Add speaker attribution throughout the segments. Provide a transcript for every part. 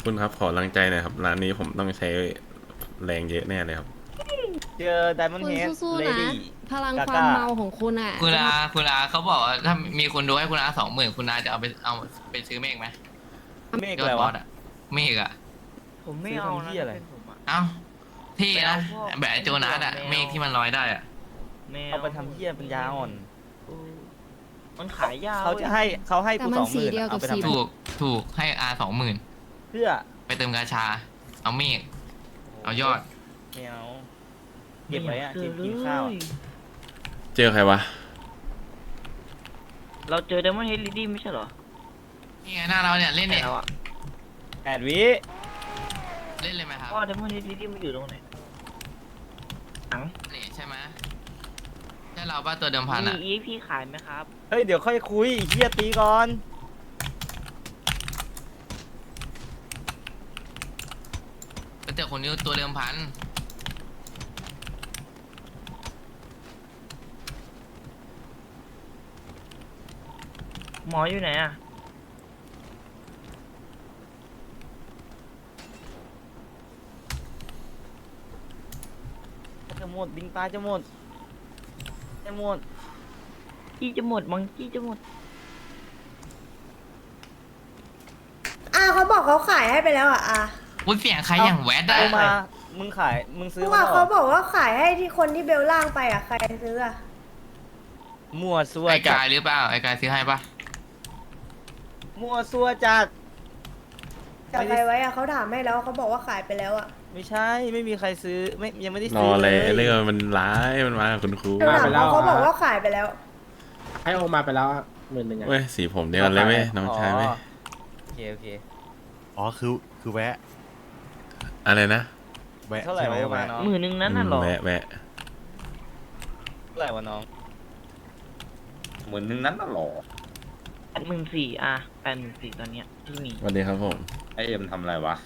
Speaker 1: คุณครับขอกำลังใจหน่อยครับร้านนี้ผมต้องใช้แรงเยอะแน่เลยครับ
Speaker 2: เจอไดมอนด์
Speaker 3: คุณ
Speaker 2: เฮด
Speaker 3: สู้ๆนะ
Speaker 2: เลดี้
Speaker 3: พลัง
Speaker 2: กาก้า
Speaker 3: ความเมาของคุณอ่ะ
Speaker 4: คุณ
Speaker 3: จะท
Speaker 4: อาคุณอาเขาบอกว่าถ้ามีคนดูให้คุณอา20,000คุณอาจะเอาไปซื้อเมฆไหม
Speaker 2: เมฆ
Speaker 4: ยอ
Speaker 2: อะไรวะ
Speaker 4: ดบอสอะเมฆอะ
Speaker 5: ผมไม่
Speaker 2: ซื้อ
Speaker 5: เอา
Speaker 2: ทำ
Speaker 5: นะ
Speaker 2: เหี้ยอะไร
Speaker 5: ถ้าเป็นผมอะ
Speaker 4: เอ้าที่
Speaker 5: ไม่
Speaker 4: นะ
Speaker 5: เอาพวก
Speaker 4: แบบไอ้โจนัสอะ
Speaker 5: แมว
Speaker 4: เมฆที่มันลอยได้อะ
Speaker 5: แมว
Speaker 2: เอาไปทำเหี้ยปัญญาอ่อน
Speaker 5: เออมันขายยาว
Speaker 2: เขาจะให้เขาให้
Speaker 3: แต่
Speaker 2: กู
Speaker 3: มันสี
Speaker 2: 20,000
Speaker 3: เดียวกับ
Speaker 2: เอาไป
Speaker 3: สี
Speaker 2: ทำ
Speaker 4: ถูกให้อา20,000
Speaker 2: เพื่อ
Speaker 4: ไปเติมกาชา เอาเมฆเอายอด
Speaker 2: ไม่เอาเก็บไว้อะกินข้าวอะ
Speaker 1: เจอใครวะ
Speaker 5: เราเจอ Diamond Head Lady ไม่ใช่เหรอ
Speaker 4: นี่ไงหน้าเราเนี่ยเล่นเนี่ย
Speaker 5: แล้วอะ
Speaker 2: 8 วิ
Speaker 4: เล่นเลยไหมครับ
Speaker 5: ว่า Diamond Head Lady มันอยู่ตรงไหนหนัง
Speaker 4: นี่ใช่ไหมใช่เราป่ะตัวเดิมพัน
Speaker 5: มี
Speaker 4: อะ
Speaker 5: EXP ขายไหมครับ
Speaker 2: เฮ้ยเดี๋ยวค่อยคุยไอ้เหี้ยตีก่อน
Speaker 4: แต่คนนี้ตัวเดิมพัน
Speaker 5: หมออยู่ไหนอะ
Speaker 2: จะหมดบิงตายจะหมดจะหมด
Speaker 5: จี้จะหมดมังจี้จะหมด
Speaker 6: เขาบอกเขาขายให้ไปแล้วอ่ะ
Speaker 4: อุ้ยเสียงใครอย่างแวดอะ
Speaker 2: เอามามึงขายมึงซื้อ
Speaker 6: เมื่อ
Speaker 2: มาว
Speaker 6: าน
Speaker 2: เหร
Speaker 6: เขา
Speaker 2: อ
Speaker 6: บอกว่าขายให้ที่คนที่เบลล่างไปใครซื้อ
Speaker 2: มั่วซั่ว
Speaker 4: ไอ้
Speaker 2: จั
Speaker 4: กาย
Speaker 2: ด
Speaker 4: หรือเปล่าไอ้กายซื้อให้ปะ
Speaker 2: มั่วซั่วจัด
Speaker 6: จับใครไว้เขาถามให้แล้วเขาบอกว่าขายไปแล้ว
Speaker 2: ไม่ใช่ไม่มีใครซื้อไม่ยังไม่ได้
Speaker 1: ร
Speaker 2: ซื้
Speaker 1: อ
Speaker 2: อ
Speaker 1: เล
Speaker 2: เลย
Speaker 1: เรื่องมันร้ายมันมากับคุณครู
Speaker 6: หนูถามเขาบอกว่าขายไปแล้ว
Speaker 7: ให้โอมาไปแล้ว10,000อะ
Speaker 1: เว้ยสีผมเดียวกันเลยเว้ยน้องชายเว้ย
Speaker 2: โอเคโอเค
Speaker 8: อ๋อคือแวะ
Speaker 1: อะไรนะ
Speaker 8: แวะ
Speaker 2: เท่าไหร่
Speaker 8: ใช่
Speaker 2: วะ
Speaker 8: ไหม
Speaker 2: มา
Speaker 8: แวะ
Speaker 2: น้อง
Speaker 5: 10,000นั้นน่ะเหรอ
Speaker 1: แวะแวะ
Speaker 2: เท่าไหร่วะน้อง
Speaker 9: เหมือนนึงนั้นน่ะหรอ
Speaker 5: 84,000อะ84,000ตอนเนี้ยที่มี
Speaker 1: สวัสดีครับผม
Speaker 9: ไอเอ็มทำอะไรวะ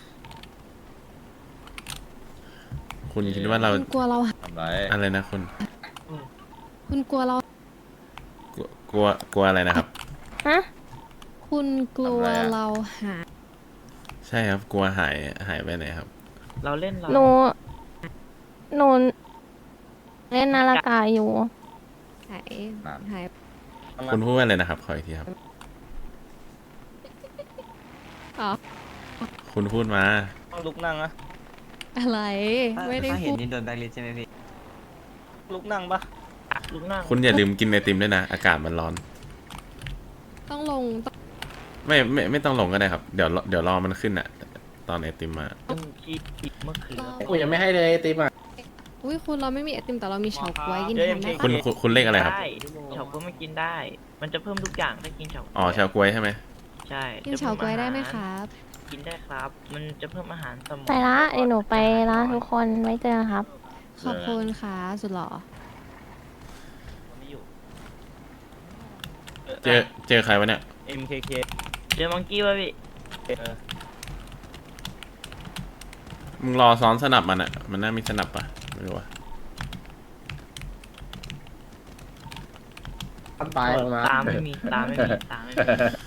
Speaker 1: คุณคิดว่าเรา
Speaker 3: คุณกลัวเรา
Speaker 9: ทำไร
Speaker 1: อะไรนะคุณ
Speaker 3: คุณกลัวเรา
Speaker 1: กลัวอะไรนะครับ
Speaker 3: คุณกลัวเราหา
Speaker 1: ใช่ครับกลัวหายไปไหนครับ
Speaker 5: เราเล่นเรา
Speaker 10: หนูเล่นนาฬิกาอยู่
Speaker 3: หายหาย
Speaker 1: คุณพูดว่าอะไรนะครับขออีกทีครับ
Speaker 3: อ๋อ
Speaker 1: คุณพูดมา
Speaker 2: ต้องลุกนั่งนะ
Speaker 3: อะไรไม่ได้พูด
Speaker 2: ลุกนั่งปะ
Speaker 5: ลูกหน้า
Speaker 1: คุณอย่าลืมกินไอติมด้วยนะอากาศมันร้อน
Speaker 3: ต้องลงต้อง
Speaker 1: ไม่ต้องลงก็ได้ครับเดี๋ยวรอมันขึ้นอะตอนไอติมมา
Speaker 5: คิดอีกเมื่อคืน
Speaker 7: กูยังไม่ให้เลยไอติมอ่ะ
Speaker 3: อุ้ยคุณเราไม่มีไอติมแต่เรามีเฉาก๊วยกิน
Speaker 2: เดี๋ยว
Speaker 3: แทนได้
Speaker 2: MKK
Speaker 3: ปะ
Speaker 1: คุณเลขอะไรครับ
Speaker 5: ด้เฉาก๊วยไม่กินได้ มันจะเพิ่มทุกอย่างถ้ากินเฉาก๊วย
Speaker 1: อ๋อชาวกล้วยใช่ไหม
Speaker 5: ใช่
Speaker 3: กินเฉาก๊วยได้ไหมครับ
Speaker 5: กินได้ครับ มันจะเพิ่มอาหารสมอง
Speaker 10: ไปละเดี๋ยวหนูไปละทุกคนไว้เจอครับ
Speaker 3: ขอบคุณค่ะสุดหล่อ
Speaker 2: ไม่อยู่
Speaker 1: เจอใครวะเนี่ย
Speaker 2: MKK
Speaker 5: เจอมังกี้ป่ะพี่
Speaker 2: เออ
Speaker 1: มึงรอซ้อนสนับมันอะมันน่ามีสนับปะไม่รู้ว่า
Speaker 7: ทำตายออกมา
Speaker 5: ตามไม่มีตามไม่มีตามไม่มี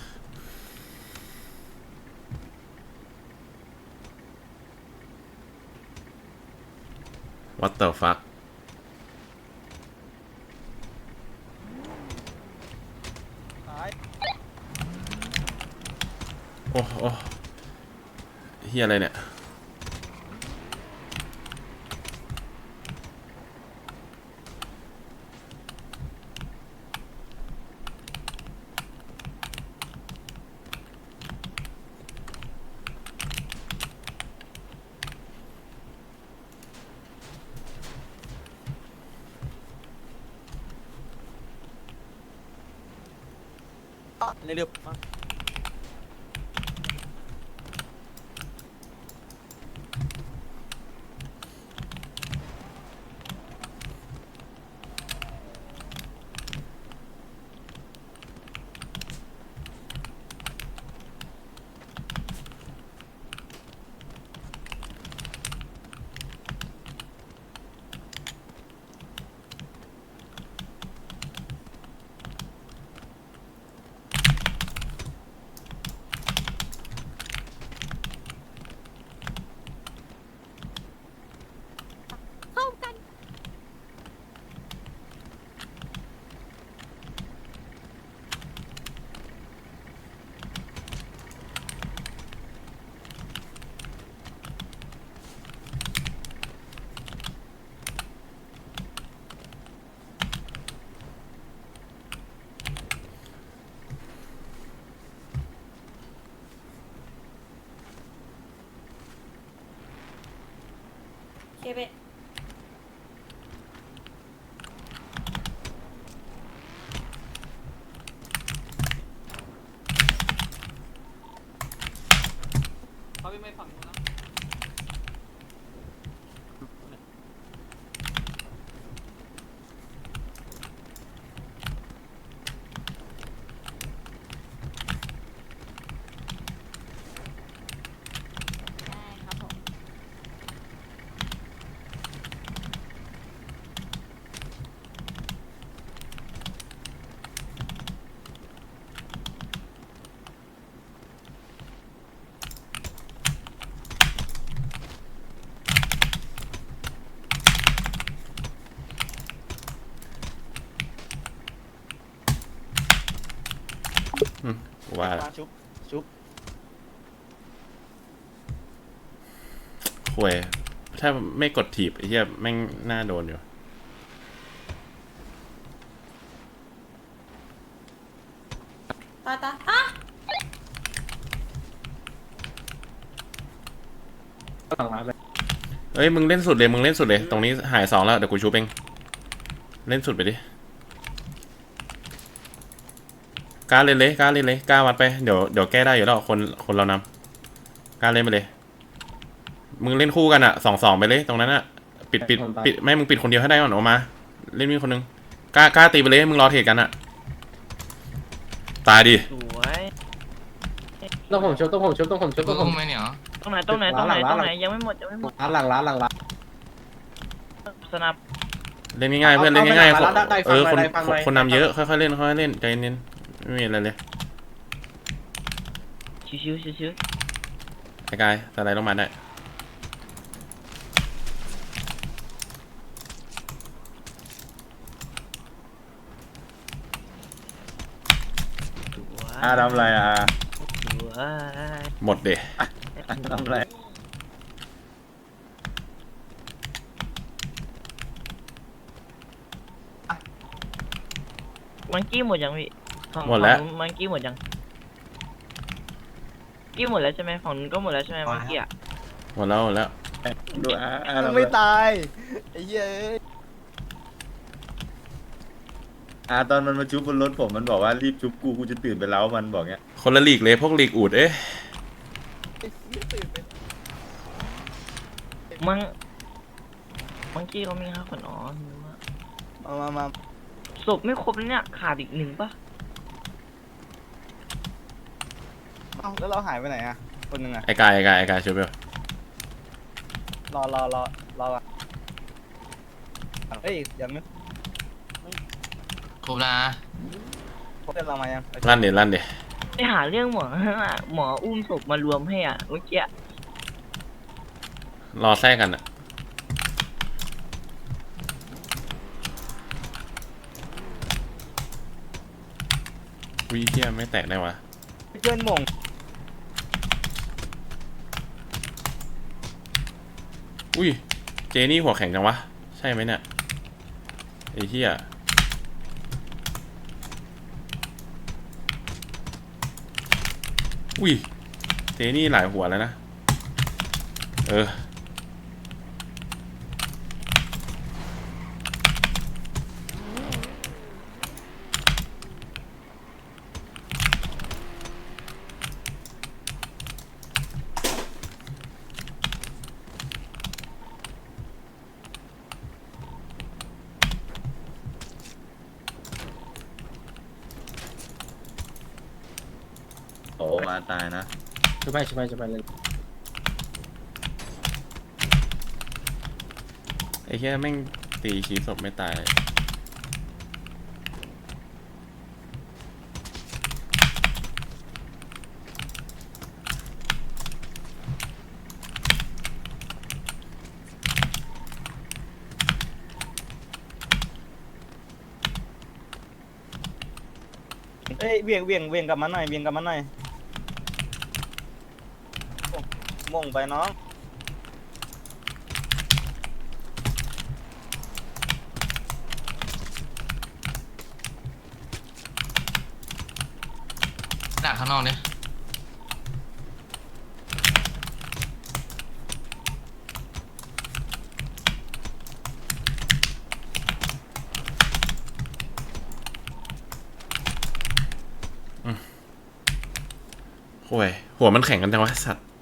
Speaker 1: What the fuck โอ้เฮียอะไรเนี่ย
Speaker 2: เร็วๆมา
Speaker 6: เก็บไป
Speaker 1: ว่า
Speaker 2: ชุบชุบ
Speaker 1: ห่วยถ้าไม่กดถีบไอ้เหี้ยแม่งน่าโดนอยู่
Speaker 6: ตาอ่ะ
Speaker 7: หลังร้านไป
Speaker 1: เอ้ยมึงเล่นสุดเลยมึงเล่นสุดเลยตรงนี้หาย2แล้วเดี๋ยวกูชูเองเล่นสุดไปดิกล้าเล่นเลยกล้าเล่นเลยกล้าวัดไปเดี๋ยวแก้ได้อยู่แล้วคนเรานำกล้าเล่นไปเลยมึงเล่นคู่กันอะ2-2ไปเลยตรงนั้นอะปิดไม่มึงปิดคนเดียวให้ได้ก่อนออกมาเล่นมีคนนึงกล้าตีไปเลยมึงรอเทรดกันอะตายดิ
Speaker 5: สวย
Speaker 7: ต้องผมชุบ
Speaker 4: คุณอุ้มไหมเนี่ย
Speaker 5: ตรงไหนยังไม่หมด
Speaker 7: หลังร้าน
Speaker 5: สนับ
Speaker 1: เล่นง่ายๆเพื่อนเล่นง่าย
Speaker 7: เอาไปได้ฟังหน่อยได้ฟังหน่อย
Speaker 1: คนนำเยอะค่อยๆเล่นค่อยๆเล่นใจเย็นไม่มีอะไรเลย
Speaker 5: ชิว
Speaker 1: ไอ้กายสไลด์ลงมาได้
Speaker 9: อาทำอะไรอ่ะ
Speaker 5: สวย
Speaker 1: หมดเดะ
Speaker 9: ทำอะไร
Speaker 5: มังกี้หมดยังพี่
Speaker 1: หมดแล้ว
Speaker 5: มังกี้หมดยังกี้หมดแล้วใช่ไหมฝั่งนู้นก็หมดแล้วใช่ไหมมังกี้อ่ะ
Speaker 1: หมดแล้ว
Speaker 9: ดูอาทำอะไร
Speaker 2: ไม่ตายไอ้เหี้ย
Speaker 9: ตอนมันมาชุบบนรถผมมันบอกว่ารีบชุบกูจะตื่นไปแล้วมันบอกเงี้ย
Speaker 1: คนละลีกเลยพวกลีกอูดเอ๊ะ
Speaker 5: มังกี้เขามี5 คนอ๋อ
Speaker 2: มา
Speaker 5: ศพไม่ครบแล้วเนี่ยขาดอีก1ป่ะ
Speaker 2: เอ้าแล้วเราหายไปไหนอ่ะคนหนึ่งอ่ะ
Speaker 1: ไอ้กายช่วยไป
Speaker 2: รออ่ะเฮ้ยยังไม่
Speaker 4: ครบแล้วนะ
Speaker 2: พบเพื่อนเรามายัง
Speaker 1: ลั่นเดะ
Speaker 5: ไปหาเรื่องหมอ หมออุ้มศพมารวมให้อ่ะเมื่อกี้
Speaker 1: รอแทรกกันอะวิเทียไม่แตกได้วะ
Speaker 2: เพื่อนหม่ง
Speaker 1: อุ้ยเจนี่หัวแข็งจังวะใช่ไหมเนี่ยไอ้เหี้ยอุ้ยเจนี่หลายหัวแล้วนะ
Speaker 9: โอ้มาตายนะ
Speaker 7: ชุบไปเลย
Speaker 1: ไอ้เหี้ยแม่งตีขีศพไม่ตาย
Speaker 2: เอ้ยเวียงกลับมาหน่อยหม่งไปน้อง
Speaker 4: ดักข้างนอกเนี่ย
Speaker 1: โอ้ยหัวมันแข็งกันจังวะสัตว์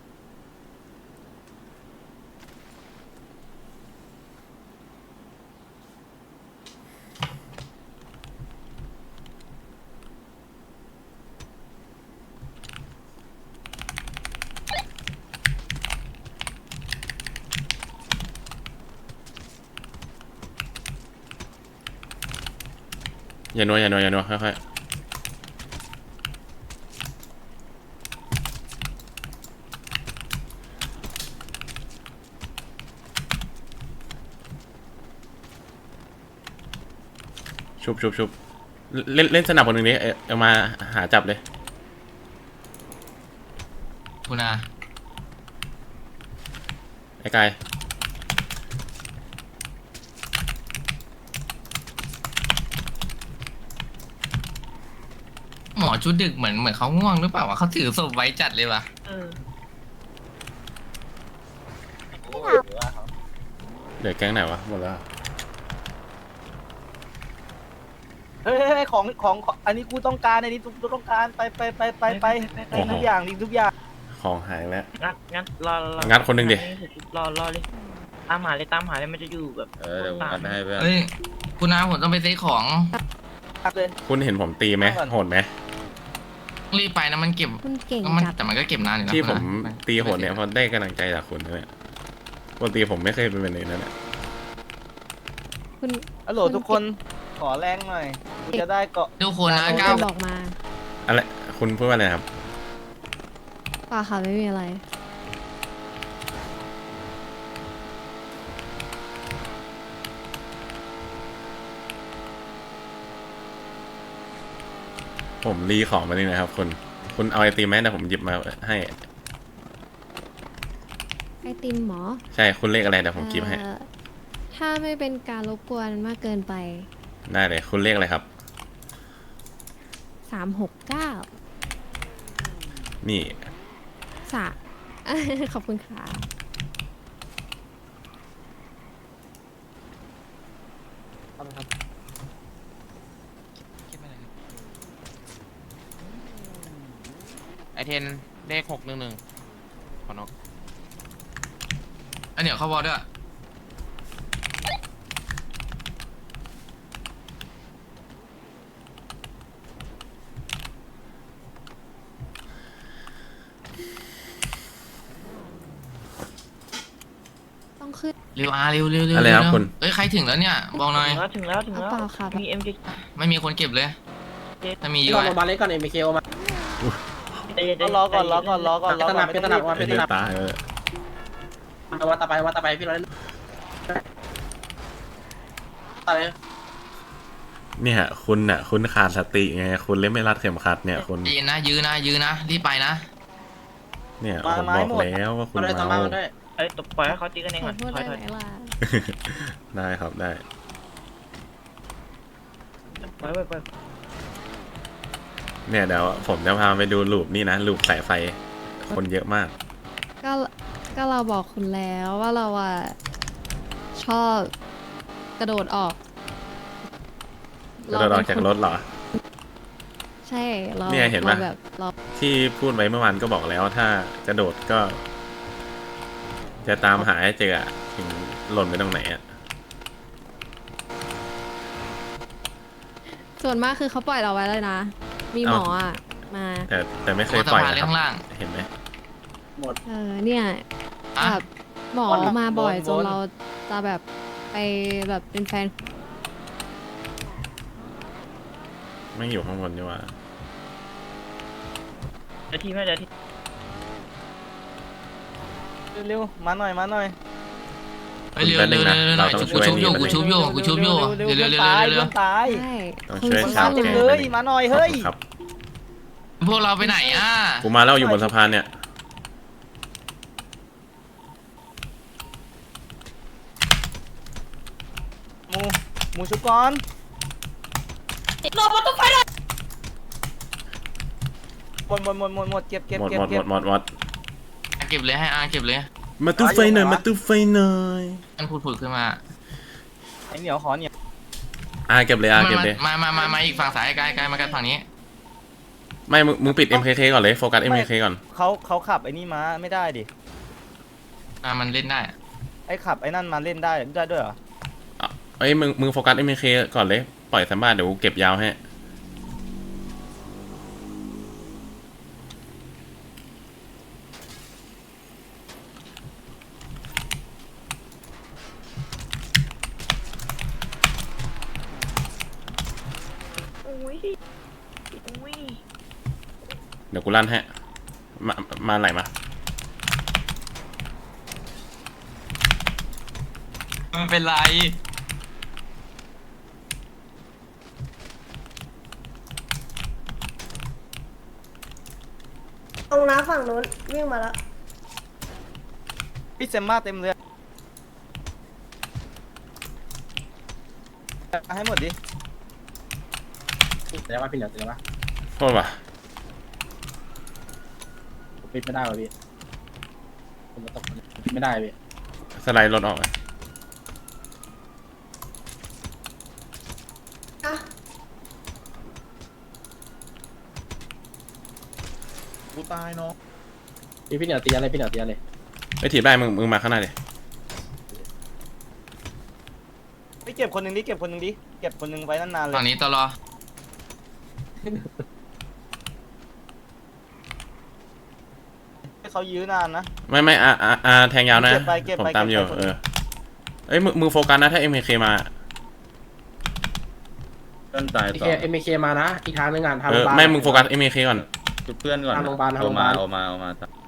Speaker 1: อย่านัวค่อยๆชุบเล่นสนับคนหนึ่งนี้เอามาหาจับเลย
Speaker 4: คุณอา
Speaker 1: ไอ้กาย
Speaker 4: หมอชุดดึกเหมือนเขาง่วงหรือเปล่าวะเขาถือศพไว้จัดเลยว่ะ
Speaker 5: เออ
Speaker 1: เหลือแก๊งไหนวะหมดแล้ว
Speaker 2: เฮ้ยของอันนี้กูต้องการอันนี้กูต้องการไปทุกอย่างนี่ทุกอย่าง
Speaker 1: ของหายแล้ว
Speaker 5: งัดรอ
Speaker 1: งัดคนหนึ่งดิ
Speaker 5: รอเลยตามหาเลยมันจะอยู่แบบ
Speaker 9: เดี๋ยวผมอัดให้เพื่อน
Speaker 4: เฮ้ยคุณอาผมต้องไปซื้อของ
Speaker 2: เลย
Speaker 1: คุณเห็นผมตีไหมโหดไหม
Speaker 4: รีบไปนะมันเก็บ
Speaker 3: คุณเก่ง
Speaker 4: มัน
Speaker 3: จัด
Speaker 4: แต่มันก็เก็บนานอยู่นะ
Speaker 1: ที่
Speaker 4: คุ
Speaker 1: ผ
Speaker 4: ณ
Speaker 1: ม
Speaker 4: อา
Speaker 1: ตีโหดเนี่ยเพราะได้กำลังใจจากคุณนะเนี่ยปกติผมไม่เคยเป็นแบบนี้นะเนี่ย
Speaker 3: คุณ
Speaker 2: ฮัลโหลทุกคนขอแรงหน่อยกูจะได้เกาะ
Speaker 4: ทุกคนนะ
Speaker 3: คุณ
Speaker 4: ก้าว
Speaker 3: บอกมา
Speaker 1: อะไรคุณพูดว่าอะไรครับ
Speaker 3: ป่าค่ะไม่มีอะไร
Speaker 1: ผมรีของมานี่นะครับคุณเอาไอติมไหมเดี๋ยวผมหยิบมาให้
Speaker 3: ไอติมหมอ
Speaker 1: ใช่คุณเลขอะไรเดี๋ยวผมกิฟให้
Speaker 3: ถ้าไม่เป็นการรบกวนมากเกินไป
Speaker 1: ได้เลยคุณเลขอะไรครับ
Speaker 3: 369
Speaker 1: นี่
Speaker 3: สะ ขอบคุณค่ะ
Speaker 11: ไอเทนเลข611ขอนก
Speaker 4: อันเดี๋ยวเขาบอกด้วย
Speaker 3: ต้องขึ้น
Speaker 4: เร็วเร็ว
Speaker 1: อะไรครับคุณ
Speaker 4: เอ้ยใครถึงแล้วเนี่ยบอกหน่อย
Speaker 5: ถึงแล้ว
Speaker 3: เอาเปล่าค่ะ
Speaker 5: มี MJ
Speaker 4: ไม่มีคนเก็บเลย ถ้ามีเย
Speaker 7: รอ
Speaker 4: อะ
Speaker 7: โรงพยาบาลเล็กก่อนเอ็มเคโอมา
Speaker 2: รอก่อน
Speaker 7: เป็นตระหนักว่า
Speaker 1: ไอ้เหี้ยตาย
Speaker 7: วัดต่อไปพี่เราเล่นต่อไป
Speaker 1: เนี่ยคุณขาดสติไงคุณเล่นไม่รัดเข็มขัดเนี่ยคุณ
Speaker 4: ยืนนะยืนนะรีบไปนะ
Speaker 1: เนี่ยผมบอกแล้วว่าคุณ
Speaker 7: มาด้วยตามมา
Speaker 1: เมา
Speaker 7: ด้วย
Speaker 5: เอ้ยตบปล่อยให้เขาตีกันเอง
Speaker 3: ขอ
Speaker 5: ก่อน
Speaker 3: โทษ
Speaker 5: ถอ
Speaker 3: ได้
Speaker 5: ย
Speaker 3: ไหมล่ะ
Speaker 1: ได้ครับได้
Speaker 5: ไป
Speaker 1: เนี่ยเดี๋ยวผมจะพาไปดูลูปนี่นะลูปสายไฟ คนเยอะมาก
Speaker 3: ก็เราบอกคุณแล้วว่าเราอ่ะ ชอบกระโดดออก
Speaker 1: กระโดดออกจากรถเหรอ
Speaker 3: ใช่เรา
Speaker 1: เนี่ยเห็นปะ
Speaker 3: ราแบบเรา
Speaker 1: ที่พูดไว้เมื่อวานก็บอกแล้วถ้ากระโดดก็ จะตามหาให้เจออะถึงหล่นไปตรงไหนอะ
Speaker 3: ส่วนมากคือเขาปล่อยเราไว้เลยนะ มีหมออ่ะ มา
Speaker 1: แต่ไม่เคย
Speaker 4: สะ
Speaker 1: ปล่อย
Speaker 4: พาน
Speaker 1: นะ
Speaker 4: เลี้
Speaker 1: ค
Speaker 4: ย
Speaker 1: รับ
Speaker 4: งล่าง
Speaker 1: เห็นไหม
Speaker 3: เนี่ย
Speaker 4: อ่ะ
Speaker 3: แบบหมอมาบ่อยจนเราจะแบบไปแบบเป็นแฟน
Speaker 1: ไม่อยู่ข้างบนดีกว่า
Speaker 5: เดี๋ยวทีไม่เดี๋ยวที
Speaker 2: เร็วมาหน่อย
Speaker 4: เฮ้ยเร็วหน่อยกูชุบโยกูชุบโยเร็ว
Speaker 2: ตาย
Speaker 4: ๆ
Speaker 2: ตาย
Speaker 3: ใช่
Speaker 1: ต้องช่วย
Speaker 2: คน
Speaker 1: ชาว
Speaker 2: เต็ม
Speaker 1: แก๊ง
Speaker 2: เล
Speaker 1: ไป
Speaker 2: ย
Speaker 1: หนึ่ง
Speaker 2: มาหน่อยเฮ้ย
Speaker 1: ครับ
Speaker 4: พวกเราไปไหนอ่ะ
Speaker 1: กูมาแล้วอยู่บนสะพานเนี่ย
Speaker 2: หมูชุบก่อนหมดเก็บ
Speaker 1: หมด
Speaker 4: เก็บเลยให้อาเก็บเลย
Speaker 1: มาตู้ไฟหน่อยมาตู้ไฟหน่อย
Speaker 4: มันพูดขึ้นมา
Speaker 2: ไอ้เหนียวขอเหนียว
Speaker 1: เก็บเลยเก็บเลย
Speaker 4: มาอีกฝั่งซ้ายกายมากันฝั่งนี้
Speaker 1: ไม่มึงปิด MKK ก่อนเลยโฟกัส MKK ก่อน
Speaker 2: เขาขับไอ้นี่มาไม่ได้ดิ
Speaker 4: มันเล่นได้อะ
Speaker 2: ไอ้ขับไอ้นั่นมาเล่นได้ด้วยเหรอ
Speaker 1: เอ้ยมึงโฟกัส MKK ก่อนเลยปล่อยแซมบ้าเดี๋ยวกูเก็บยาวให้
Speaker 5: อุ้ยอุ้ย
Speaker 1: เดี๋ยวกูลั่นให้มาไหลมา
Speaker 4: มันเป็นไร
Speaker 6: ตรงน้าฝั่งนู้นวิ่งมาแล้ว
Speaker 2: พี่เซมมาเต็มเลยให้หมดดิ
Speaker 7: เดี๋ยวว่าพี่เหนียวเดี๋ยวว่า
Speaker 1: โทษว่ะ
Speaker 7: ผมปิดไม่ได้ว่ะพี่ผมตกปิดไม่ได้พี่
Speaker 1: สไลด์รถออกไป
Speaker 6: อ่ะ
Speaker 9: กูตายเนาะ
Speaker 7: พี่เหนียวตีอะไรพี่เหนียวตีอะไร
Speaker 1: ไอ้ยถีบได้มึงมาข้างหน้าดิ
Speaker 2: ไปเก็บคนหนึ่งดิเก็บคนหนึ่งดิเก็บคนหนึ่งไว้นานๆเล
Speaker 4: ตอน
Speaker 2: ย
Speaker 4: นี้ตลอ
Speaker 2: ให้เขายื้อนานนะ
Speaker 1: ไม่แทงยาวนะ
Speaker 2: เก็บไปเก็บ
Speaker 1: ผม
Speaker 2: ไป
Speaker 1: ตามอยู่
Speaker 2: เก็บไป
Speaker 1: เอ้ยมึงโฟกัสนะถ้า MKK มา
Speaker 9: เพื่อนตาย
Speaker 7: เอ
Speaker 9: ต่อ
Speaker 7: เอ็มเคมานะอีกทางนึงอ่ะทาง
Speaker 1: เอ
Speaker 7: โรง
Speaker 1: อ
Speaker 7: พยาบาล
Speaker 1: ไม่มึงโฟกัส MKK ก่อน
Speaker 9: จุดเพื่อนก่อน
Speaker 7: ทางโรงพยาบาลทางโร
Speaker 9: เอา
Speaker 7: งพยา
Speaker 9: มา
Speaker 7: บาล
Speaker 9: เอามาเอามา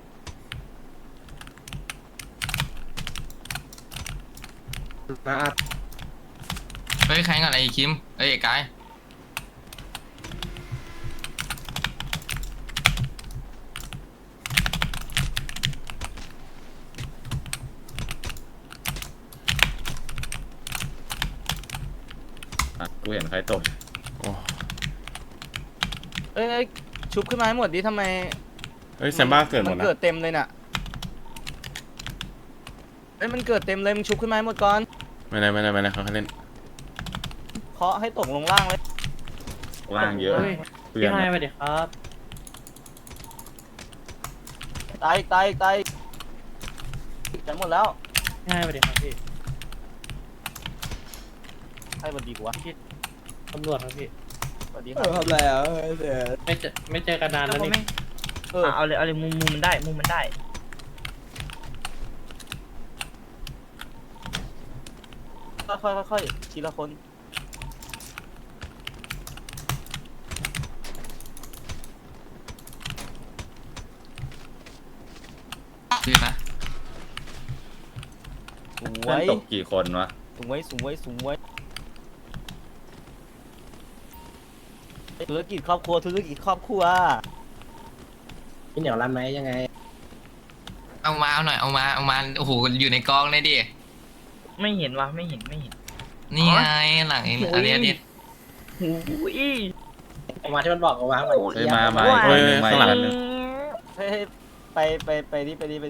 Speaker 7: นะ
Speaker 4: เฮ้ยใครกันไอ้คิมเอ้ยไอ้กาย
Speaker 9: กูเห็นใครตก
Speaker 1: โอ้
Speaker 2: เอ้ยชุบขึ้นมาให้หมดดิทำไม
Speaker 1: เฮ้ยแซมบ้าเกิดหมด
Speaker 2: มัน
Speaker 1: นะ
Speaker 2: เกิดเต็มเลยน่ะเอ้ยมันเกิดเต็มเลยมึงชุบขึ้นมาให้หมดก่อน
Speaker 1: ไม่ได้เขาให้เล่น
Speaker 2: เคาะให้ตกลงล่างเลย
Speaker 9: ล่างเยอะเพื่อน
Speaker 7: พี่ให้มาดิครับ
Speaker 2: ตายจะหมดแล้ว
Speaker 7: ให้มาดิครับพี่
Speaker 2: ให้บดีกว่า
Speaker 7: ตำรวจครับพี่
Speaker 2: สวัสดีครับทำไรอ่ะ
Speaker 7: ไม่เจอกันนานแล้วนี่
Speaker 5: เอาเลยมุมมันได้มุมมันได้
Speaker 2: ค่อยทีละคน
Speaker 4: คือนะ
Speaker 2: สว
Speaker 9: เพื่อน
Speaker 2: ย
Speaker 9: ตกกี่คนวะ
Speaker 2: สวยธุรกิจครอบครัว
Speaker 7: พี่เหนียวรันไหมยังไง
Speaker 4: เอาหน่อยเอามาโอ้โหอยู่ในกองเลยดิ
Speaker 5: ไม่เห็นวะไม่เห็น
Speaker 4: นี่ไงหลังอันนี้
Speaker 5: หูย
Speaker 7: ออกมาที่มันบอกออกมา
Speaker 9: เฮ้ยมา
Speaker 1: เฮ้ย
Speaker 9: มา
Speaker 1: ข้างหลัง
Speaker 9: อีกคนนึง
Speaker 2: เฮ้ยไปดิ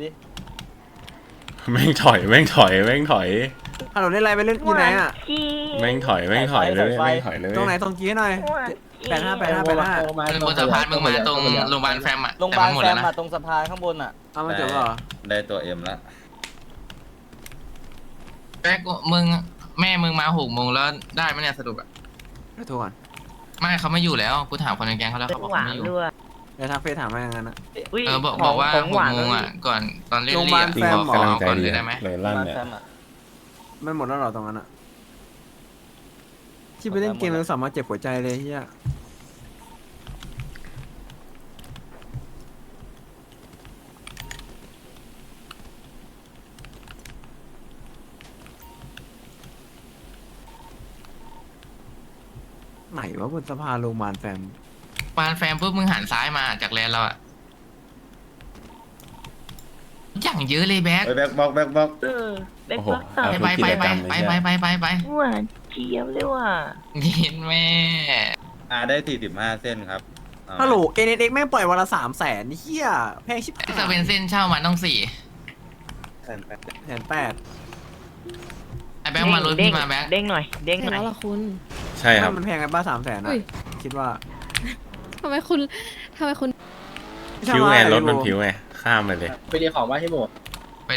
Speaker 1: แม่งถอย
Speaker 2: ฮัลโหลเล่นอะไรไปเล่นอยู่ไหนอ่ะ
Speaker 1: แม่งถอยเลยแม่งถอยเลย
Speaker 2: ตรงไหนตรงกี้หน่อย 85
Speaker 4: เป็นบนสะพานมึงมาตรงโรงพยาบาลแฟมอ่ะ
Speaker 2: โรงพยาบาลแฟมอ่ะตรงสะพานข้างบนอ่ะ
Speaker 9: เอามาเจอได้ตัวเอ็มละ
Speaker 4: แป๊กมึงแม่มึงมา6 โมงแล้วได้ไหมเนี่ยสรุปอ่ะ
Speaker 2: ไปโทรก่อน
Speaker 4: ไม่เขาไม่อยู่แล้วกูถามคนในแก๊งเขาแล้ว
Speaker 5: เป็
Speaker 4: เขา
Speaker 5: น
Speaker 4: บอก
Speaker 5: หวา
Speaker 4: เขา
Speaker 5: น
Speaker 4: ไม่อยู่
Speaker 5: ด้วย
Speaker 2: เดี๋ยวทักเฟซถามมาอย่างนั้นนะ
Speaker 4: บอกว่า
Speaker 5: ของหวาน
Speaker 4: 6 โมงอ่ะก่อนตอนเล่น
Speaker 2: โรงพ
Speaker 4: เรี
Speaker 2: ยาย บาลแฟม
Speaker 1: กำลังใจ
Speaker 4: ก่อน
Speaker 1: ดี
Speaker 4: เลยได้ไหม
Speaker 1: เลยลั่นเนี่ย
Speaker 2: ไม่หมดแล้วหรอตรงนั้นอ่ะ ที่ไปเล่นเกมแล้วสามารถเจ็บหัวใจเลยเฮียไหนวะบนสะพานโรงพยาบาลแฟม
Speaker 4: ปานแฟมปุ๊บมึงหันซ้ายมาจากแลนเราอ่ะอย่างเยอะเลยแบ็ค
Speaker 9: เฮ้ยแบ็คบอก
Speaker 5: เด็ก
Speaker 1: โอ้โห
Speaker 5: บักตา
Speaker 4: ไปไป
Speaker 5: หวานเจี๊ยบเลยว่ะ
Speaker 4: เห็นแม่
Speaker 9: ได้45เส้นครับเอา
Speaker 2: ฮัลโหล NSX แม่งปล่อยวันละ300,000เฮียแพงชิบหาย
Speaker 4: จะเป็นเส้นเช่ามันต้อง4
Speaker 2: 1,800,000
Speaker 4: ไอ้แบ็คมารถพี่มาแบ็ค
Speaker 5: เด้งหน่อย
Speaker 3: เสร็จแล้วเหรอคุณ
Speaker 1: ใช่ครับ
Speaker 2: มันแพงกันป้า300,000
Speaker 3: อุ้
Speaker 2: อ่ะ
Speaker 3: ย
Speaker 2: คิดว่า
Speaker 3: ทำไมทำไมคุณ
Speaker 1: ผิวไงรถมันผิวไงข้ามไปเลย
Speaker 7: ไปดีของว่าที่หมู